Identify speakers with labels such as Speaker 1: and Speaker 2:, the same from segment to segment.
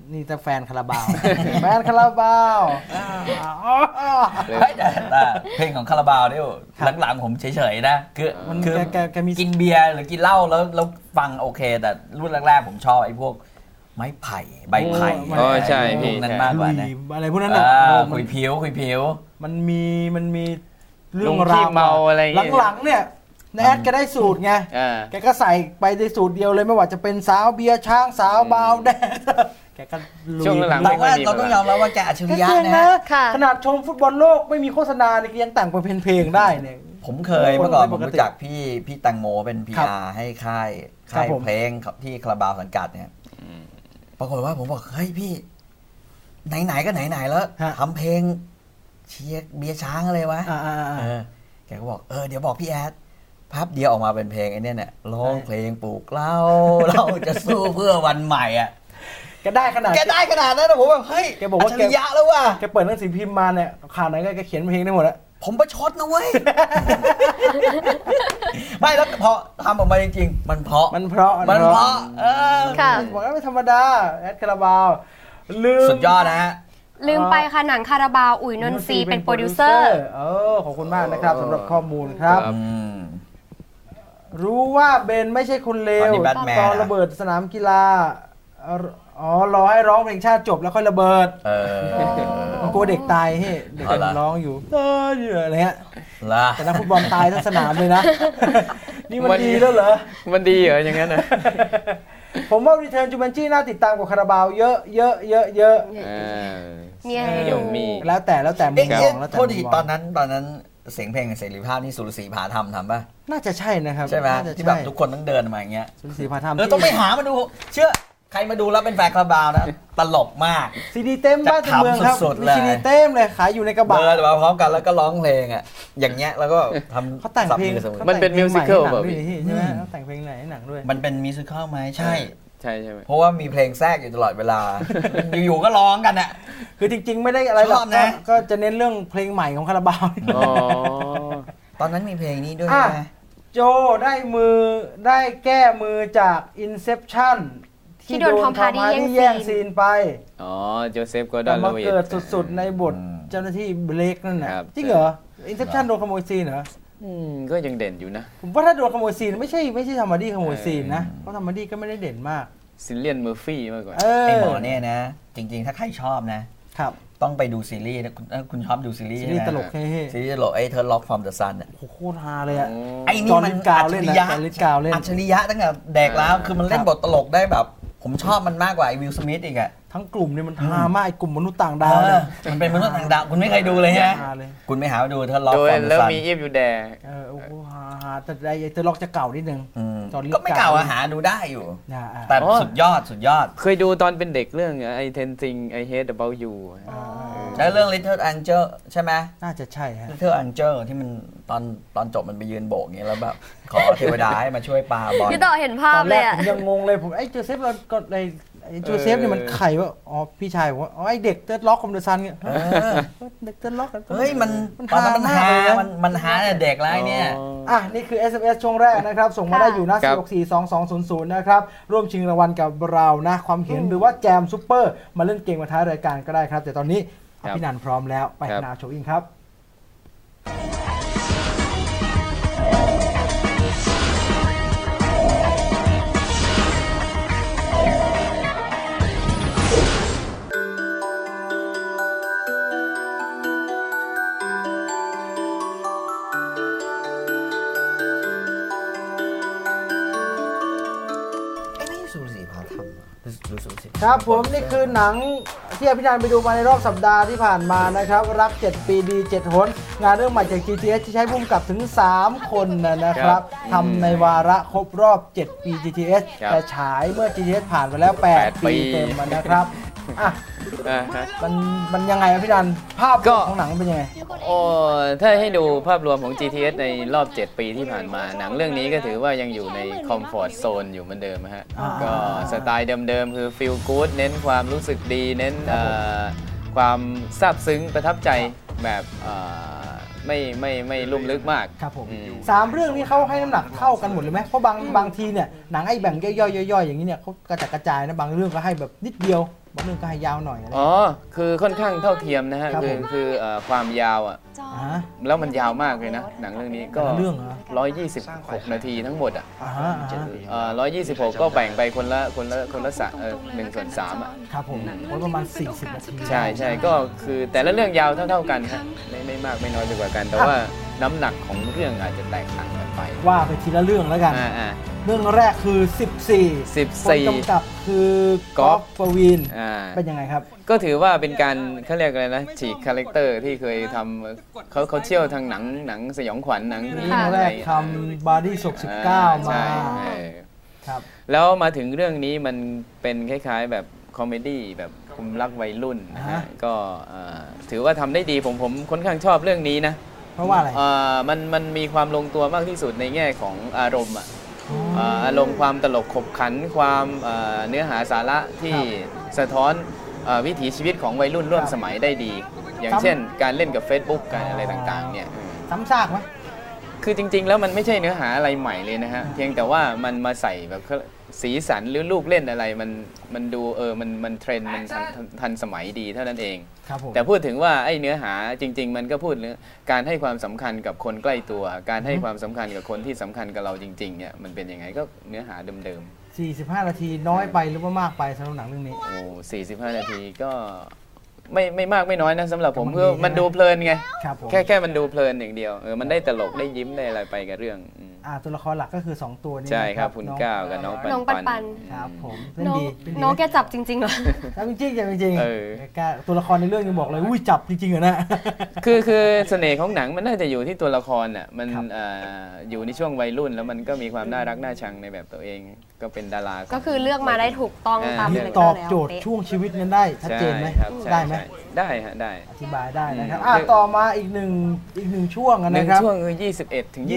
Speaker 1: นี่แต่แฟนคาราบาวแฟนคาราบาว
Speaker 2: แต่เพลงของคาราบาวเนี่ยหลังๆผมเฉยๆนะคือ
Speaker 1: แกมี
Speaker 2: กินเบียร์หรือกินเหล้าแล้วฟังโอเคแต่รุ่นแรกๆผมชอบไอ้พวกไม้ไผ่ใบไผ่
Speaker 3: ใช่พี่
Speaker 2: นั้นมากกว่านะ
Speaker 1: อะไรพวกนั้นน่ะ
Speaker 2: คุยผิว
Speaker 1: มันมีเรื่อง
Speaker 3: ราวเมาอะไร
Speaker 1: หลังๆเนี่ยแอดแกได้สูตรไงแกก็ใส่ไปในสูตรเดียวเลยไม่ว่าจะเป็นสาวเบียร์ช้างสาวบาวแดงแกก็
Speaker 3: ช่วงหลัง
Speaker 2: เราต้องยอมรับว่าแกอัจฉริยะนะ
Speaker 1: ขนาดชมฟุตบอลโลกไม่มีโฆษณาเนี่ยยังแต่งเป็นเพลงได้เนี่ย
Speaker 2: ผมเคยเมื่อก่อนผมรู้จักพี่แตงโมเป็น PR ให้ค่ายเพลงที่คาราบาวสังกัดเนี่ยปรากฏว่าผมบอกเฮ้ยพี่ไหนๆก็ไหนๆแล้วทำเพลงเชียร์เบียร์ช้างอะไรวะแกก็บอกเดี๋ยวบอกพี่แอดพับเดียวออกมาเป็นเพลงไอ้นี่เนี่ยร้องเพลงปลูกเราจะสู้เพื่อวันใหม่อ่ะ
Speaker 1: แกได้ขนาด
Speaker 2: นั้นนะผมแบบเฮ้ย
Speaker 1: แกบอกว่า
Speaker 2: อัจฉริยะแล้วว่ะ
Speaker 1: แกเปิดหนังสือพิมพ์มาเนี่ยข่าวไหนก็แกเขียนเพลงได้หมดแล้ว
Speaker 2: ผมประชดนะเว้ยไม่แล้วพอทำออกมาจริงๆมันเพราะ
Speaker 1: บอกว่าไม่ธรรมดาแอดคาราบาวลืม
Speaker 2: สุดยอดนะฮะ
Speaker 4: ลืมไปค่ะหนังคาราบาวอุ๋ยนนทรีเป็นโปรดิวเซอร์
Speaker 1: ขอบคุณมากนะครับสำหรับข้อมูลครับรู้ว่าเบนไม่ใช่คนเลวตอนระเบิดสนามกีฬารอให้ร้องเพลงชาติจบแล้วค่อยระเบิดกลัวเด็กตายเฮ้เด็กร้องอยู่อะไรเงี้ยแต่นักฟุตบอลตายทั้งสนามเลยนะนี่มันดีแล้วเหรอ
Speaker 3: มันดีเหรออย่างนั้นนะ
Speaker 1: ผมว่า Return to Jumanji น่าติดตามกว่าคาราบาวเยอะ
Speaker 4: มีอะไรดู
Speaker 1: แล้วแต่มุมมองแล้วแต่
Speaker 2: โทษดีตอนนั้นเสียงเพลงเสรีภาพนี่สุรศรีผาธรรมทำป่ะ
Speaker 1: น่าจะใช่นะครับ
Speaker 2: ใช่ไหมที่แบบทุกคนต้องเดินมาอย่างเงี้ย
Speaker 1: สุรศรีผาธรรม
Speaker 2: ต้องไปหามาดูเชื่อใครมาดูแล้วเป็นแฟนคาราบาวนะตลกมาก
Speaker 1: ซีดีเต็มบ้านเมืองครับมีซีดีเต็มเลยขายอยู่ในกระบะ
Speaker 2: เดินมาพร้อมกันแล้วก็ร้องเพลงอ่ะอย่างเงี้ยแล้วก็ทำ
Speaker 1: เขาแต่งเพลง
Speaker 3: มันเป็นมิวสิควลแบบ
Speaker 1: ใช่ไหมเขาแต่งเพลงไหนหนังด้วย
Speaker 2: มันเป็นมิวสิควลไหมใช่
Speaker 3: ไหม
Speaker 2: เพราะว่ามีเพลงแทรกอยู่ตลอดเวลาอยู่ๆก็ร้องกันอ่ะ
Speaker 1: คือจริงๆไม่ได้อะไรหรอกก็จะเน้นเรื่องเพลงใหม่ของคาราบาว
Speaker 2: ตอนนั้นมีเพลงนี้ด้วยนะ
Speaker 1: โจได้แก้มือจาก Inception
Speaker 4: ที่โดนทอมฮาร์ดี้
Speaker 1: แย่งซีนไป
Speaker 3: โจเซฟก็ได้
Speaker 1: มาเกิดสุดๆในบทเจ้าหน้าที่เบลกนั่นน่ะจริงเหรอ Inception โดนขโมยซีนเหรอ
Speaker 3: ก็ยังเด่นอยู่นะ
Speaker 1: ผมว่าถ้าโดนขโมยซีนไม่ใช่ทอมฮาร์ดี้ขโมยซีนนะเพราะทอมฮาร์ดี้ก็ไม่ได้เด่นมาก
Speaker 3: ซิลเลียนเมอร์ฟี่มากกว่า
Speaker 2: ไอ้หมอเนี่ยนะจริงๆถ้าใครชอบนะครับต้องไปดูซีรีส์นะคุณชอบดูซีรีส์
Speaker 1: ตลก
Speaker 2: ซีรีส์ตลกไอ้เธอล็อกฟอร์มเดอะซันอ่ะ
Speaker 1: โคตรฮาเลยอ่ะ
Speaker 2: ไอ้นี่มันอัจฉริยะอัจฉริยะตั้งแต่เด็กแล้วคือมันเล่นบทตลกได้แบบผมชอบมันมากกว่าไอ้วิล สมิธอีกอ่ะ
Speaker 1: ทั้งกลุ่มเนี่ยมันฮามากไอ้กลุ่มมนุษย์ต่างดาวเนี่ย
Speaker 2: มันเป็นมนุษย์ต่างดาวคุณไม่เคยดูเลยฮะคุณไม่หาดูเธอล็อกฟอร์มเดอะซัน
Speaker 3: แล้วมีอีฟอยู่แด
Speaker 1: โอ้โหฮาแต่ไอ้เธอล็อกจะเก่านิดนึง
Speaker 2: ก็ไม่เก่าหาดูได้อยู่แต่สุดยอด
Speaker 3: เคยดูตอนเป็นเด็กเรื่องไอ้เทนซิงไอเฮดเบลยู
Speaker 2: ใช่เรื่อง Little Angel ใช่ไหม
Speaker 1: น่าจะใช่ฮะ
Speaker 2: Little Angel ที่มันตอนจบมันไปยืนโบกอย่างเงี้ยแล้วแบบขอเทวดาให้มาช่วยปาบอล
Speaker 4: พี่ต่อเห็นภาพเลย
Speaker 1: ผมยังงงเลยผมไอ้โจเซฟเราก็ไอ้โจเซฟเนี่ยมันไข่ว่าพี่ชายผมว่าไอ้เด็กเติร์ดล็อกคอมเดอร์ซันเนี่ยเด็กเติร์ดล็อก
Speaker 2: เฮ้ยมันตอนนั้นมันหาเด็กแล้วเนี่ย
Speaker 1: นี่คือ SMS ช่วงแรกนะครับส่งมาได้อยู่นะ4642200นะครับร่วมชิงรางวัลกับเรานะความเห็นหรือว่าแจมซุปเปอร์มาเล่นเกมมาท้ายรายการก็ได้ครับแต่ตอนนี้พี่นันพร้อมแล้วไปนาโชว์อิงครับครับผมนี่คือหนังที่พี่นันไปดูมาในรอบสัปดาห์ที่ผ่านมานะครับรัก7ปีดี7หนงานเรื่องใหม่จาก GTH ที่ใช้ผู้กำกับถึง3คนนะครับทำในวาระครบรอบ7ปี GTH แต่ฉายเมื่อ GTH ผ่านไปแล้ว8ปีเต็มนะครับมันยังไงพี่ดันภาพของหนังเป็นยังไง
Speaker 3: ถ้าให้ดูภาพรวมของ GTH ในรอบ7ปีที่ผ่านมาหนังเรื่องนี้ก็ถือว่ายังอยู่ในคอมฟอร์ตโซนอยู่เหมือนเดิมฮะก็สไตล์เดิมๆคือฟีลกู๊ดเน้นความรู้สึกดีเน้นความซาบซึ้งประทับใจแบบไม่ลุ่มลึกมาก
Speaker 1: ครับผม3เรื่องนี้เขาให้น้ำหนักเท่ากันหมดเลยไหมเพราะบางทีเนี่ยหนังไอ้แบ่งย่อยๆอย่างนี้เนี่ยเขากระจัดกระจายนะบางเรื่องก็ให้แบบนิดเดียวบทหนึ่งก็ให้ยาวหน่อยอะไร
Speaker 3: อ๋อคือค่อนข้างเท่าเทียมนะฮะ
Speaker 1: ครับ
Speaker 3: คือ
Speaker 1: ผม
Speaker 3: คือความยาวอ่ะ
Speaker 1: ฮะ
Speaker 3: แล้วมันยาวมากเลยนะหนังเรื่องนี้ก็
Speaker 1: เรื่องเหรอ
Speaker 3: 126 นาทีทั้งหมดอ่ะ 126 ก็แบ่งไปคนละ1/3อ่ะ
Speaker 1: ครับผมโอ้ยประมาณ 40 นาที
Speaker 3: ใช่ใช่ก็คือแต่ละเรื่องยาวเท่ากันฮะไม่มากไม่น้อยไปกว่ากัน แต่ว่าน้ำหนักของเรื่องอาจจะแตกต่างกันไป
Speaker 1: ว่าไปทีละเรื่องแล้วกัน เรื่องแรกคือ 14 คนกำกับคือก๊อฟปวีณเป็นยังไงครับ
Speaker 3: ก็ถือว่าเป็นการเขาเรียกอะไรนะฉีกคาแรคเตอร์ที่เคยทำเขาเชี่ยวทางหนังสยองขวัญหนังที่
Speaker 1: เรื่องแรกทำบาร์ดี้ศพ19 มา
Speaker 3: ใช่
Speaker 1: ครับ
Speaker 3: แล้วมาถึงเรื่องนี้มันเป็นคล้ายๆแบบคอมเมดี้แบบคุมรักวัยรุ่นนะฮะก็ถือว่าทำได้ดีผมค่อนข้างชอบเรื่องนี้นะ
Speaker 1: เพราะว่าอะไร
Speaker 3: มันมีความลงตัวมากที่สุดในแง่ของอารมณ์อารมณ์ความตลกขบขันความเนื้อหาสาระที่สะท้อนวิถีชีวิตของวัยรุ่นร่วมสมัยได้ดี อย่างเช่นการเล่นกับ Facebook การอะไรต่างๆเนี่ย
Speaker 1: ซ้ำซากไหม
Speaker 3: คือจริงๆแล้วมันไม่ใช่เนื้อหาอะไรใหม่เลยนะฮะเพียงแต่ว่ามันมาใส่แบบสีสันหรือลูกเล่นอะไรมันดูมันเทรนด์มันทันสมัยดีเท่านั้นเอง
Speaker 1: ครับผม
Speaker 3: แต่พูดถึงว่าไอ้เนื้อหาจริงๆมันก็พูดเรื่องการให้ความสำคัญกับคนใกล้ตัว การให้ความสำคัญกับคนที่สำคัญกับเราจริงๆเนี่ยมันเป็นยังไงก็เนื้อหาเดิม
Speaker 1: 45 นาทีน้อยไปหรือว่ามากไปสำหรับหนังเรื่องนี้
Speaker 3: ๆโอ้45 นาทีก็ไม่มากไม่น้อยนะสำหรับผม
Speaker 1: แต่มัน
Speaker 3: คือ
Speaker 1: ดี
Speaker 3: มันดูเพลินไง
Speaker 1: ครับผม
Speaker 3: แค่มันดูเพลินอย่างเดียวมันได้ตลกได้ยิ้มได้อะไรไปกับเรื่อง
Speaker 1: ตัวละครหลักก็คือ 2 ตัวนี้
Speaker 3: ใช่ครับ
Speaker 1: นะ
Speaker 3: คุณ
Speaker 1: น้อง
Speaker 3: ก้าวกับน้อง
Speaker 4: น้อง
Speaker 3: ปั
Speaker 4: ปั
Speaker 3: น
Speaker 4: น
Speaker 1: ครับผมเล่น
Speaker 4: น้อง
Speaker 1: ดีเล่นดี
Speaker 4: น้องแกจับจริงๆเหรอ
Speaker 1: จริงจริง
Speaker 3: เออ
Speaker 1: ตัวละครในเรื่องยังบอกเลยอุ้ยจับจริงๆเหรอนะ
Speaker 3: คือเสน่ห์ของหนังมันน่าจะอยู่ที่ตัวละครน่ะมัน
Speaker 1: ครับ
Speaker 3: อยู่ในช่วงวัยรุ่นแล้วมันก็มีความน่ารักน่าชังในแบบตัวเองก็เป็นดารา
Speaker 4: ก็คือเลือกมาได้ถูกต้องตาม
Speaker 1: นี่
Speaker 4: คาแรค
Speaker 1: ต
Speaker 4: เตอ
Speaker 1: อ
Speaker 4: ร์
Speaker 1: บ
Speaker 4: แล้ว
Speaker 1: โจทย์
Speaker 4: เป๊ะ ช่
Speaker 1: ช่วงชีวิตนั้นได้ชัดเจนไหม
Speaker 3: ครับใช่
Speaker 1: ได้ไหม
Speaker 3: ใช่ได้ฮะได้
Speaker 1: อธิบายได้นะครับ
Speaker 3: อืม
Speaker 1: ต่อมาอีกหนึ่งช่วง
Speaker 3: หนึ่ง
Speaker 1: นะครับ
Speaker 3: ช่วงคือ21 ถึง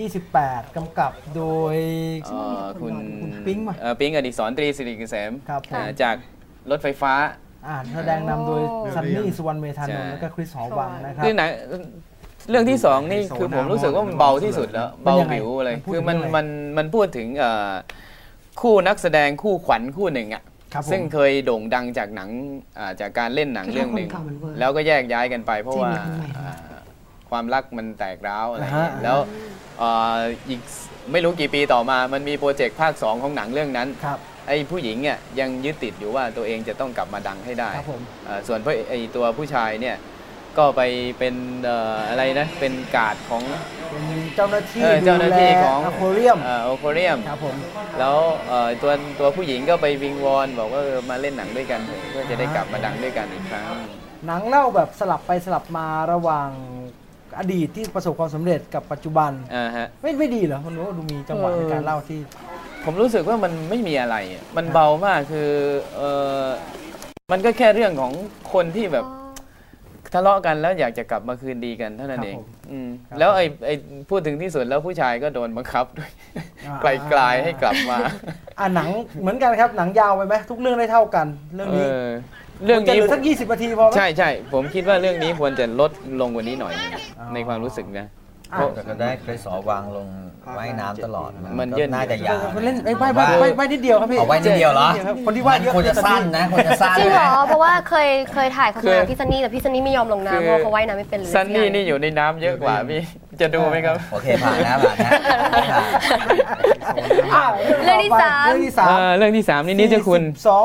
Speaker 1: 28 กำกับโดย
Speaker 3: คุณ
Speaker 1: ปิ๊งป่ะ
Speaker 3: ปิ๊งอดิศรตรีสิริเกษม
Speaker 1: ครับผม
Speaker 3: จากรถไฟฟ้า
Speaker 1: แสดงนำโดย
Speaker 4: โอ้
Speaker 1: ซันนี่สุวรรณเมธานนท์
Speaker 3: ใช่
Speaker 1: แล้วก็คริสหอวังนะครับ
Speaker 3: คือหนังเรื่องที่สองนี่คือผมรู้สึกว่ามันเบาที่สุดแล้ว
Speaker 1: เป็น
Speaker 3: เบา
Speaker 1: ยังไง
Speaker 3: ผิวเลย
Speaker 1: มันพูด
Speaker 3: คือ
Speaker 1: ถึงเรื่องอะไร
Speaker 3: มันพูดถึงคู่นักแสดงคู่ขวัญคู่หนึ่งอ่ะ
Speaker 1: ครับผม
Speaker 3: ซึ่งเคยโด่งดังจากหนังจากการเล่นหนังเรื่องหนึ่งแล้วก็แยกย้ายกันไป เพราะว่าความรักมันแตกร้าวอะไรอย่างเงี้ยแล้วอีกไม่รู้กี่ปีต่อมามันมีโปรเจกต์ภาค 2 ของหนังเรื่องนั้น
Speaker 1: ครับ
Speaker 3: ไอ้ผู้หญิงเนี่ยยังยึดติดอยู่ว่าตัวเองจะต้องกลับมาดังให้ได้
Speaker 1: ครับผม
Speaker 3: ส่วนไอ้ตัวผู้ชายเนี่ยก็ไปเป็นอะไรนะเป็นการ์ดของ
Speaker 1: เป็นเจ้าหน้าที่
Speaker 3: เจ้าหน้าที่ของ
Speaker 1: อควาเรียม
Speaker 3: โอโคเรียม
Speaker 1: ครับผม
Speaker 3: แล้วตัวผู้หญิงก็ไปวิงวอนบอกว่ามาเล่นหนังด้วยกันเถอะเพื่อจะได้กลับมาดังด้วยกันอีกครั้ง
Speaker 1: หนังเล่าแบบสลับไปสลับมาระหว่างอดีตที่ประสบความสำเร็จกับปัจจุบัน
Speaker 3: ฮะ
Speaker 1: ไม่ดีเหรอคุณรู้ว่าดูมีจังหวะในการเล่าที่
Speaker 3: ผมรู้สึกว่ามันไม่มีอะไรอะมันเบามากคือมันก็แค่เรื่องของคนที่แบบทะเลาะกันแล้วอยากจะกลับมาคืนดีกันเท่านั้นเอง
Speaker 1: ครับผม ครับ
Speaker 3: แล้วไอ้พูดถึงที่สุดแล้วผู้ชายก็โดนบังคับด้วย ไกลๆให้กลับมา
Speaker 1: หนังเหมือนกันครับหนังยาวไปไหมทุกเรื่องได้เท่ากันเรื่องนี้
Speaker 3: เรื่อง
Speaker 1: จะ
Speaker 3: นี้
Speaker 1: เหลือสัก20 นาทีพอไหม
Speaker 3: ใช่ผมคิดว่าเรื่องนี้ควรจะลดลงกว่านี้หน่อยนึง
Speaker 1: อ๋อ
Speaker 3: ในความรู้สึกนะ
Speaker 2: แต่ก็ได้คริสหอวังลงว่ายน้ำตลอด
Speaker 3: มัน
Speaker 2: ก็
Speaker 3: เยิน
Speaker 2: น่าจะยาว
Speaker 1: มันเล่นใบนิดเดียวครับพี่
Speaker 2: เอาไว้นิดเดียวเหรอ
Speaker 1: ครับคนที่ว่าเยอะ
Speaker 2: ควรจะสั้นนะควรจะสั้น
Speaker 4: จริงเหรอ
Speaker 2: นะ
Speaker 4: เพราะว่าเคยถ่ายโฆษณาพี่ซันนี่แต่พี่ซันนี่ไม่ยอมลงน้ำเพราะเขาว่ายน้ำไม่เป็นเลย
Speaker 3: ซันนี่นี่อยู่ในน้ำเยอะกว่าพี่จะดูไหมครับ
Speaker 2: โอเคผ่านนะผ่านนะผ่าน
Speaker 4: เรื่องที่สาม
Speaker 1: เรื่องที่สาม
Speaker 3: เรื่องที่ 3 นี่นิจคุณ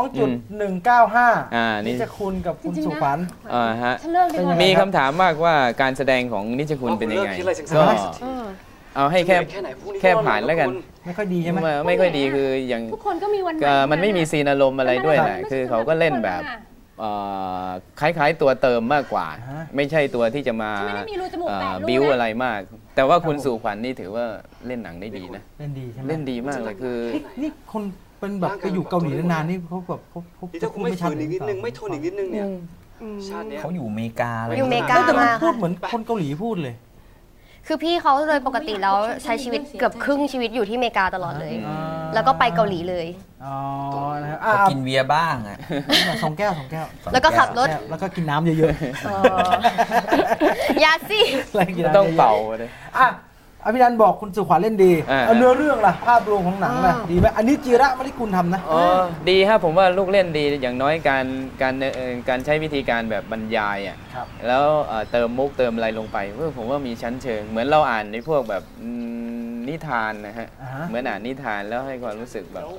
Speaker 1: 2.195
Speaker 3: นี่
Speaker 1: นิจคุณกับคุณสุขวัญ
Speaker 3: ฮะ
Speaker 4: ฉันเลิกดีกว่า
Speaker 3: มีคำถามมากว่าการแสดงของนิจคุณเป็นยังไง ก็
Speaker 4: เออ
Speaker 3: เอาให้แค่ผ่านแล้วกัน
Speaker 1: ไม่ค่อยดีใช่ไหม
Speaker 3: ไม่ค่อยดีคืออย่าง
Speaker 5: ทุกคนก็มีวัน
Speaker 3: มันไม่มีซีนอารมณ์อะไรด้วยแหละคือเขาก็เล่นแบบคล้ายๆตัวเติมมากกว่า ไม่ใช่ตัวที่จะมา
Speaker 5: ไม่ได้มีรูจมูกแตก
Speaker 3: บิ้วอะไรมาก แต่ว่าคุณสู่ขวัญนี่ถือว่าเล่นหนังได้ดีนะ
Speaker 1: เล่นดีใช่ไหม
Speaker 3: เล่นดีมากเลยคือ
Speaker 1: นี่คนเป็นแบบไปอยู่เกาหลีนานๆนี่เขาแบบเขา
Speaker 6: นี่ถ้าคุณไม่ฝืนอีกนิดนึงไม่ทนอีกนิดนึงเนี่ยชาติเนี้ย
Speaker 2: เขาอยู่อเมริกาเลย
Speaker 4: อยู่อเมริกา
Speaker 1: แต่มันพูดเหมือนคนเกาหลีพูดเลย
Speaker 4: คือพี่เขาโดยปกติแล้วใช้ชีวิตเกือบครึ่งชีวิตอยู่ที่อเมริกาตลอดเลย
Speaker 1: อ่า
Speaker 4: แล้วก็ไปเกาหลีเลย
Speaker 1: อ๋อนะครับ
Speaker 2: เขากินเบียร์บ้างอ่ะ
Speaker 1: สองแก้ว
Speaker 4: แล้วก็ขับรถ
Speaker 1: แล้วก็กินน้ำเยอะ
Speaker 4: อ๋อยาสิ
Speaker 1: ๆแล้วกินน้ำเยะๆ
Speaker 3: ต้องเป่าเลย
Speaker 1: อ่ะพี่นันบอกคุณสุขวัญเล่นดีเนื้อเรื่องล่ะภาพรวมของหนังล่ะดีไหมอันนี้จิระมริกุลทำนะ
Speaker 3: ดีครับผมว่าลูกเล่นดีอย่างน้อยการใช้วิธีการแบบบรรยายอ่ะแล้วเติมมุกเติมอะไรลงไปผมว่ามีชั้นเชิงเหมือนเราอ่านในพวกแบบนิทานนะฮะเหมือนอ่านนิทานแล้วให้ความรู้สึกแบบ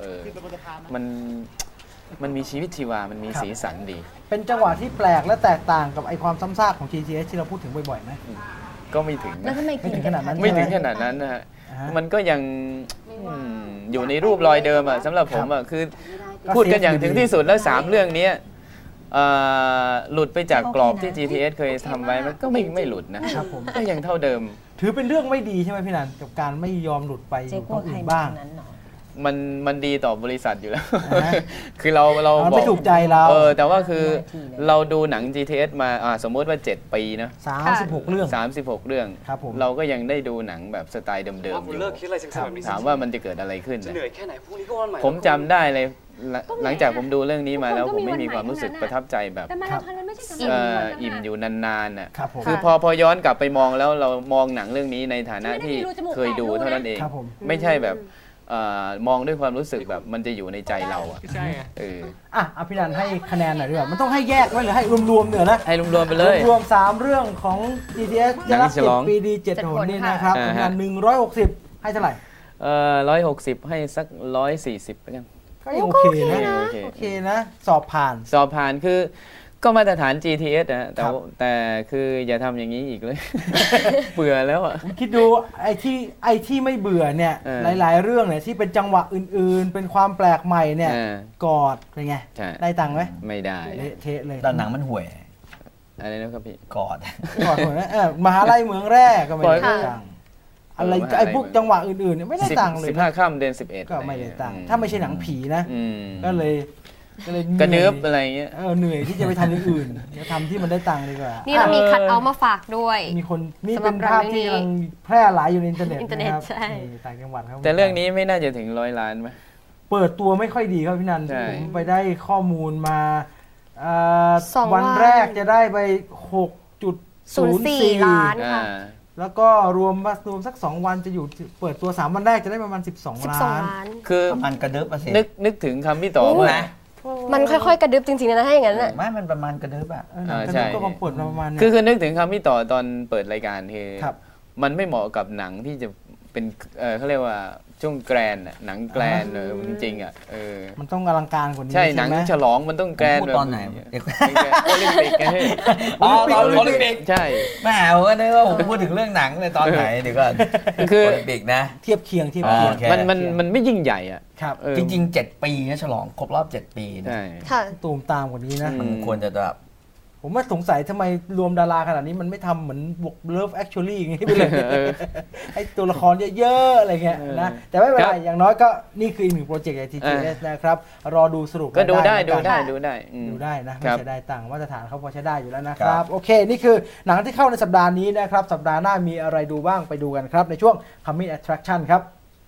Speaker 3: มันมีชีวิตชีวามันมีสีสันดี
Speaker 1: เป็นจังหวะที่แปลกและแตกต่างกับไอความซ้ำซากของ GTH ที่เราพูดถึงบ่อยๆไหม
Speaker 3: ก็ไม่ถึง
Speaker 4: แล้วทำไม
Speaker 1: ไม่ถึงขนาดนั้น
Speaker 3: ไม่ถึงขนาดนั้นนะฮะมันก็ยังอยู่ในรูปรอยเดิมอ่ะสำหรับผมอ่ะคือพูดกันอย่างถึงที่สุดแล้ว3เรื่องนี้หลุดไปจากกรอบที่ GTH เคยทำไว้มันก็ไม่หลุดนะครับก็ยังเท่าเดิม
Speaker 1: ถือเป็นเรื่องไม่ดีใช่ไหมพี่นันกับการไม่ยอมหลุดไปอยู่ตรงอื่นบ้าง
Speaker 3: มันดีต่อบริษัทอยู่แล้ว คือเรา
Speaker 1: ไม่ถูกใจเรา
Speaker 3: แต่ว่าคือเราดูหนัง GTH มาสมมติว่า7ปีนะ
Speaker 1: 36 เรื่อง
Speaker 3: ครับผมเราก็ยังได้ดูหนังแบบสไตล์เดิมๆอยู่ถามว่ามันจะเกิดอะไรขึ้นเหนื่อยแค่ไหนพรุ่งนี้ก็วันใหม่ผมจำได้เลยหลังจากผมดูเรื่องนี้มาแล้วผมไม่มีความรู้สึกประทับใจแบบอิ่มอยู่นานๆน่ะคือพอย้อนกลับไปมองแล้วเรามองหนังเรื่องนี้ในฐานะที่เคยดูเท่านั้นเองไม่ใช่แบบมองด้วยความรู้สึกแบบมันจะอยู่ในใจเราอ่ะใช่
Speaker 1: พี่นันให้คะแนนหน่อยดีกว่ามันต้องให้แยกไว้หรือให้รวมๆเนี่ยนะ
Speaker 3: ให้รวมๆไปเลย
Speaker 1: รวม3เรื่องของ GTH จะรับ7 ปีดี7 หนนี่นะครับงาน160ให้เท่าไหร่
Speaker 3: 160ให้สัก140ไปกัน
Speaker 1: ก็ยังโอเคนะโอเคนะสอบผ่าน
Speaker 3: คือก็มาตรฐาน GTH นะแต่คืออย่าทำอย่างนี้อีกเลย เบื่อแล้วอ่ะ
Speaker 1: คิดดูไอ้ที่ไม่เบื่อเนี่ยหลายๆเรื่องเนี่ยที่เป็นจังหวะอื่นๆเป็นความแปลกใหม่เนี่ยกอดเป็นไงได้ตังค์ไหม
Speaker 3: ไม่ได้
Speaker 1: เทะเลย
Speaker 2: แต่หนังมันห่วย
Speaker 3: อะไรนะครับพี่
Speaker 2: กอด
Speaker 1: ห่วยนะมหาลัยเมืองแร่ก็ไม่ได้ตังค์อะไรไอ้พวกจังหวะอื่นๆเนี่ยไม่ได้ตังค์เลย
Speaker 3: 15 ค่ำเดือน11
Speaker 1: ก็ไม่ได้ตังค์ถ้าไม่ใช่หนังผีนะก็เลย
Speaker 3: กระเนิบอะไรเงี้ย
Speaker 1: เหนื่อยที่จะไปทำอย่างอื่นทำที่มันได้ตังค์ดีกว่า
Speaker 4: นี่เรามีคัทเอาท์มาฝากด้วย
Speaker 1: มีคนนี่เป็นภาพที่กำลังแพร่หลายอยู่ในอินเทอร์เน็ตนะครับต่างจังหวัดครับ
Speaker 3: แต่เรื่องนี้ไม่น่าจะถึง100 ล้านไหม
Speaker 1: เปิดตัวไม่ค่อยดีครับพี่นันผมไปได้ข้อมูลมาวันแรกจะได้ไป 6.04
Speaker 4: ล้านค่ะ
Speaker 1: แล้วก็รวมสัก2วันจะอยู่เปิดตัว3วันแรกจะได้ประมาณ12 ล้าน
Speaker 3: คือ
Speaker 2: มันกระดึ๊บอ่ะสิ
Speaker 3: นึกถึงคำพี่ต่อมา
Speaker 4: มันค่อยๆกระดึ๊บจริงๆนะถ้าอย่างนั้นน่ะ
Speaker 2: ไม่มันประมาณกระดึ๊บอ่ะ
Speaker 1: ใช่ก็เปิดประมาณ
Speaker 3: คือนึกถึงคำพี่ต่อตอนเปิดรายการคือมันไม่เหมาะกับหนังที่จะเป็นเขาเรียกว่าช่วงแกรนหนังแกรนจริงๆอ่ะ
Speaker 1: มันต้องอลังการกว่านี้
Speaker 3: ใช่หนังฉลองมันต้องแกรน
Speaker 2: แบบตอนไหน
Speaker 3: โอลิมปิกไง
Speaker 2: ตอนโอลิมปิก
Speaker 3: ใช่
Speaker 2: แม่ผมก็นึกว่าผมพูดถึงเรื่องหนังในตอนไหนเดี๋ยวก่อน
Speaker 3: คือ
Speaker 2: โอลิมปิกนะ
Speaker 1: เทียบเคียง
Speaker 3: มันไม่ยิ่งใหญ่อ่ะ
Speaker 2: จริงๆ7 ปีนะฉลองครบรอบ7 ปีนะ
Speaker 1: ตูมตามกว่านี้นะ
Speaker 2: มันควรจะแบบ
Speaker 1: ผมว่าสงสัยทำไมรวมดาราขนาดนี้มันไม่ทำเหมือนบวก Love Actually อย่างนี้ไปเลยไอ้ตัวละครเยอะๆอะไรเงี้ยนะแต่ไม่เป็นไรอย่างน้อยก็นี่คืออีกหนึ่งโปรเจกต์ GTH นะครับรอดูสรุป
Speaker 3: ก็ดูได้
Speaker 1: นะไม่ใช่ได้ตังค์มาตรฐานเขาพอใช้ได้อยู่แล้วนะครับโอเคนี่คือหนังที่เข้าในสัปดาห์นี้นะครับสัปดาห์หน้ามีอะไรดูบ้างไปดูกันครับในช่วง Coming Attraction ครับ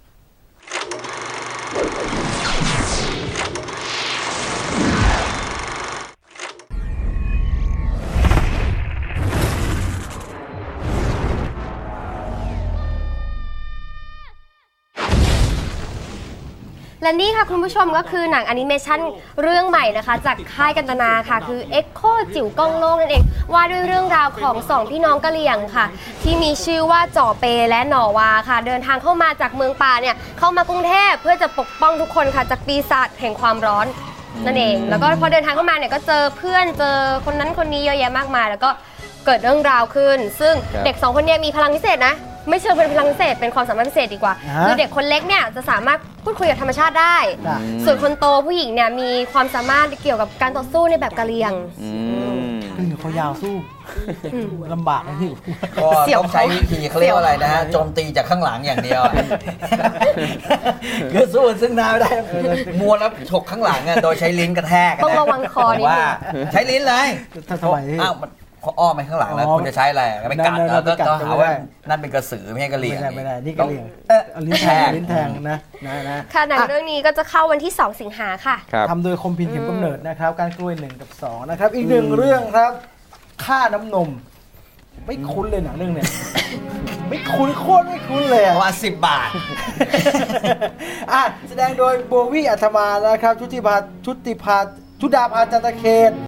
Speaker 4: และนี่ค่ะคุณผู้ชมก็คือหนังแอนิเมชันเรื่องใหม่นะคะจากค่ายกันตนาค่ะคือ Echo จิ๋วก้องโลกนั่นเองว่าด้วยเรื่องราวของ2พี่น้องกะเหรี่ยงค่ะที่มีชื่อว่าจ่อเปและหน่อวาค่ะเดินทางเข้ามาจากเมืองป่าเนี่ยเข้ามากรุงเทพเพื่อจะปกป้องทุกคนค่ะจากปีศาจแห่งความร้อนนั่นเองแล้วก็พอเดินทางเข้ามาเนี่ยก็เจอเพื่อนเจอคนนั้นคนนี้เยอะแยะมากมายแล้วก็เกิดเรื่องราวขึ้นซึ่งเด็ก2คนนี้มีพลังพิเศษนะไม่เชิงเป็นพลังพิเศษเป็นความสามารถพิเศษดีกว่าคือเด็กคนเล็กเนี่ยจะสามารถพูดคุยกับธรรมชาติได้ส่วนคนโตผู้หญิงเนี่ยมีความสามารถเกี่ยวกับการต่อสู้ในแบบกะเหรี่ยง
Speaker 1: เขายาวสู้ลำบากนะพี่
Speaker 2: ก็ต้องใช้วิธีเขาเรียกว่าอะไรนะโจมตีจากข้างหลังอย่างเดียวคือสู้ซึ่งหน้าไม่ได้มัวแล้วฉกข้างหลังโดยใช้ลิ้นกระแทก
Speaker 4: ต้องระวังคอนิดนึง
Speaker 2: ว่าใช้ลิ้นเลย
Speaker 1: ทำไม
Speaker 2: อ้าวเขาอ้อมไปข้างหลังแล้วคุณจะใช้อะไรไปกัดแล้วก็หาว่านั่นเป็นกระสือไม่ใช่กระเหลี่ยง
Speaker 1: ไม่ได้นี่กระเหลี่ยงลิ้นแทงนะ
Speaker 4: ค่ะหนังเรื่องนี้ก็จะเข้าวันที่2 สิงหาค่ะ
Speaker 1: ทำโดยคมพินเข็มกำเนิดนะครับการกล้วย1 กับ 2นะครับอีก1เรื่องครับค่าน้ำนมไม่คุ้นเลยหนังเรื่องเนี้ย ไม่คุ้นโคตรไม่คุ้นเลย
Speaker 2: ว่า10 บาท
Speaker 1: แสดงโดยโบวี่อัธมานะครับชุติดาภาจันตเขต